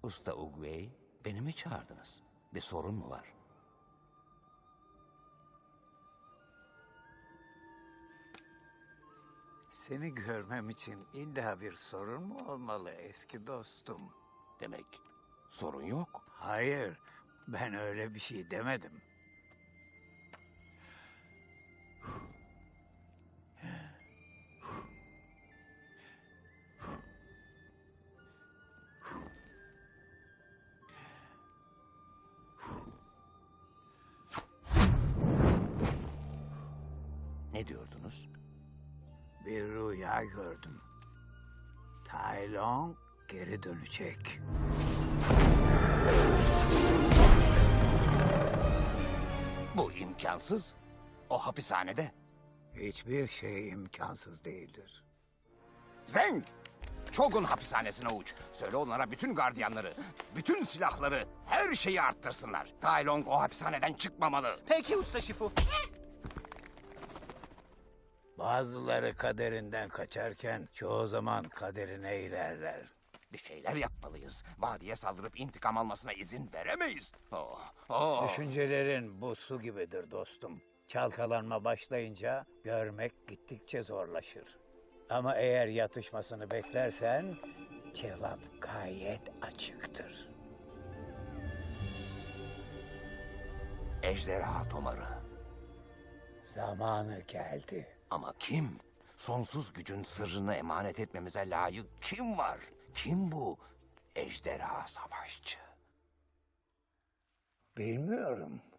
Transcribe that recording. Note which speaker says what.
Speaker 1: Usta Uguay, beni mi çağırdınız? Bir sorun mu var?
Speaker 2: Seni görmem için illa bir sorun mu olmalı eski dostum?
Speaker 1: Demek sorun yok.
Speaker 2: Hayır, ben öyle bir şey demedim.
Speaker 1: Ne diyordunuz?
Speaker 2: Bir rüya gördüm. Tai Lung geri dönecek.
Speaker 1: Bu imkansız. O hapishanede.
Speaker 2: Hiçbir şey imkansız değildir.
Speaker 1: Zeng! Çogun hapishanesine uç. Söyle onlara bütün gardiyanları, bütün silahları, her şeyi arttırsınlar. Tai Lung o hapishaneden çıkmamalı.
Speaker 3: Peki usta Şifu.
Speaker 2: Bazıları kaderinden kaçarken çoğu zaman kaderine ilerler.
Speaker 1: Bir şeyler yapmalıyız. Vadiye saldırıp intikam almasına izin veremeyiz. Oh.
Speaker 2: Düşüncelerin bu su gibidir dostum. Çalkalanma başlayınca görmek gittikçe zorlaşır. Ama eğer yatışmasını beklersen cevap gayet açıktır.
Speaker 1: Ejderha tomarı.
Speaker 2: Zamanı geldi.
Speaker 1: Ama kim? Sonsuz gücün sırrını emanet etmemize layık kim var? Kim bu ejderha savaşçı?
Speaker 2: Bilmiyorum.